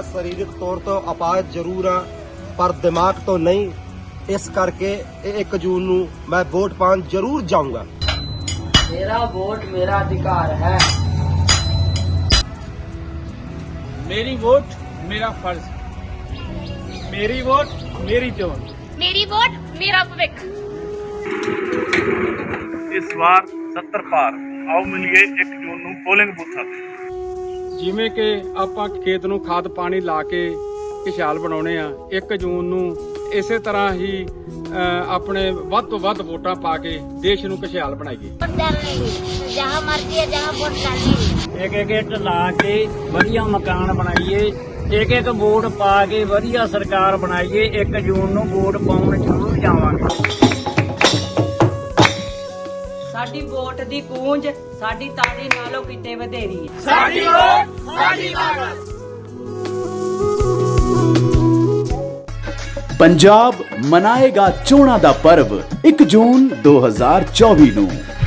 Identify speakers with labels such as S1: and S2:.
S1: ਸਰੀਰਕ ਤੌਰ ਤੋਂ ਅਪਾਹਜ ਜ਼ਰੂਰ ਹਾਂ ਪਰ ਦਿਮਾਗ ਤੋਂ ਨਹੀਂ। ਇਸ ਕਰਕੇ 1 ਜੂਨ ਨੂੰ ਮੈਂ ਵੋਟ ਪਾਉਣ ਜ਼ਰੂਰ ਜਾਊਂਗਾ।
S2: मेरा वोट मेरा अधिकार है।
S3: मेरी वोट मेरा फर्ज। मेरी वोट मेरी चोन।
S4: मेरी वोट मेरा भविख।
S5: इस बार 70 पार आओ मिलिए 1 जून ਨੂੰ ਪੋਲਿੰਗ ਬੂਥਾਂ ਤੇ।
S3: ਜਿਵੇਂ ਕਿ ਆਪਾਂ ਖੇਤ ਨੂੰ ਖਾਦ ਪਾਣੀ ਲਾ ਕੇ ਖੁਸ਼ਹਾਲ ਬਣਾਉਣੇ ਆ, 1 ਜੂਨ ਨੂੰ ਇਸੇ ਤਰ੍ਹਾਂ ਹੀ ਆਪਣੇ ਵੱਧ ਤੋਂ ਵੱਧ ਵੋਟਾਂ ਪਾ ਕੇ ਦੇਸ਼ ਨੂੰ ਖੁਸ਼ਹਾਲ ਬਣਾਈਏ।
S4: जहाँ मर्जी है जहाँ वोट डालनी।
S2: एक ਇੱਟ ਲਾ ਕੇ ਵਧੀਆ ਮਕਾਨ ਬਣਾਈਏ, ਇੱਕ ਵੋਟ ਪਾ ਕੇ ਵਧੀਆ ਸਰਕਾਰ ਬਣਾਈਏ। 1 ਜੂਨ ਨੂੰ ਵੋਟ ਪਾਉਣ ਜ਼ਰੂਰ ਜਾਵਾਂਗੇ।
S6: ਸਾਡੀ ਵੋਟ ਦੀ ਗੂੰਜ ਸਾਡੀ ਤਾੜੀ ਨਾਲੋਂ ਕਿਤੇ ਵਧੇਰੀ ਹੈ।
S3: ਸਾਡੀ ਵੋਟ ਸਾਡੀ ਤਾਕਤ।
S7: पंजाब मनाएगा चोणां दा पर्व 1 जून 2024 ਨੂੰ।